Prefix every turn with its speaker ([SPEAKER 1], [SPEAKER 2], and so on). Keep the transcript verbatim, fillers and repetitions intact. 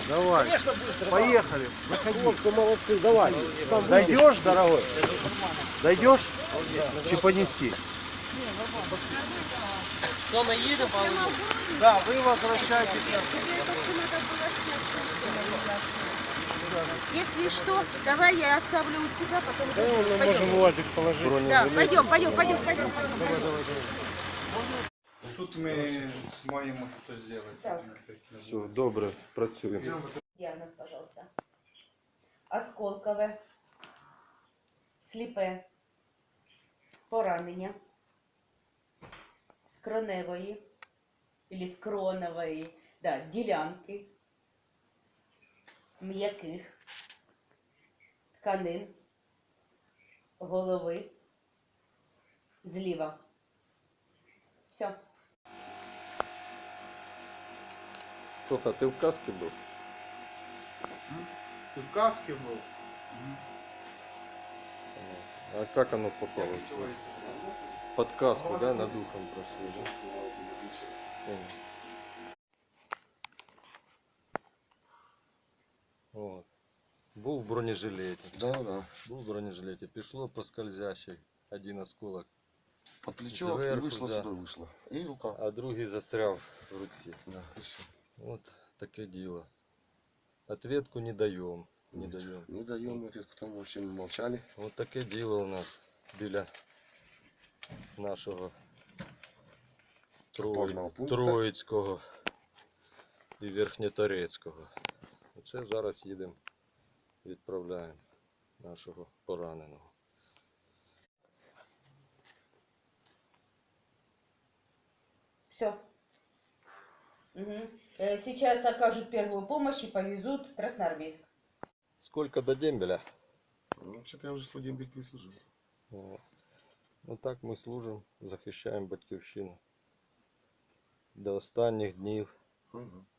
[SPEAKER 1] Давай.
[SPEAKER 2] Конечно, быстро.
[SPEAKER 1] Поехали. Выходи.
[SPEAKER 2] Хлопцы, молодцы, давай. Сам
[SPEAKER 1] Дойдешь, дорогой? Дойдешь? Чи понести?
[SPEAKER 3] Что, мы едем, получим?
[SPEAKER 1] Да, вы возвращаетесь.
[SPEAKER 4] Если что, давай я оставлю у себя, потом
[SPEAKER 2] Да, мы
[SPEAKER 4] заберешь.
[SPEAKER 2] можем
[SPEAKER 4] Пойдем.
[SPEAKER 2] УАЗик положить.
[SPEAKER 4] Да, пойдем, пойдем, пойдем, пойдем.
[SPEAKER 2] Давай, давай, давай.
[SPEAKER 5] Тут ми маємо щось зробити.
[SPEAKER 4] Так.
[SPEAKER 5] Все, добре, працюємо.
[SPEAKER 4] Диагноз, пожалуйста. Осколкове, сліпе, поранення, скроневої, или скронової, да, ділянки, м'яких, тканин, голови, зліва. Все.
[SPEAKER 5] Тоха, ти в касці був?
[SPEAKER 1] Ты в каске был?
[SPEAKER 5] А как оно попало? Под каску, да, над ухом прошли, да? Понял. Вот. Був в бронежилеті.
[SPEAKER 6] Да, да.
[SPEAKER 5] Був в бронежилеті. Пішло по скользящей. Один осколок,
[SPEAKER 6] Под плечо и
[SPEAKER 5] Зверху,
[SPEAKER 6] вышло
[SPEAKER 5] да.
[SPEAKER 6] сюда, вышло. И рука.
[SPEAKER 5] а другий застряв в руці.
[SPEAKER 6] Да, и все.
[SPEAKER 5] Вот таке діло. Ответку не даем. Не даем.
[SPEAKER 6] Не даем ответку, там вообще мы молчали.
[SPEAKER 5] Вот таке діло у нас біля нашого
[SPEAKER 6] Опорного
[SPEAKER 5] Трої...
[SPEAKER 6] пункту.
[SPEAKER 5] Троїцького і Верхньоторецького. Оце зараз їдемо, відправляємо нашого пораненого.
[SPEAKER 4] Все. Угу. Сейчас окажут первую помощь и повезут в Красноармейск.
[SPEAKER 5] Сколько до дембеля?
[SPEAKER 6] Ну, вообще-то я уже свой день прислужил.
[SPEAKER 5] О, ну так ми служимо, захищаємо батьківщину. До останніх днів.
[SPEAKER 6] Угу.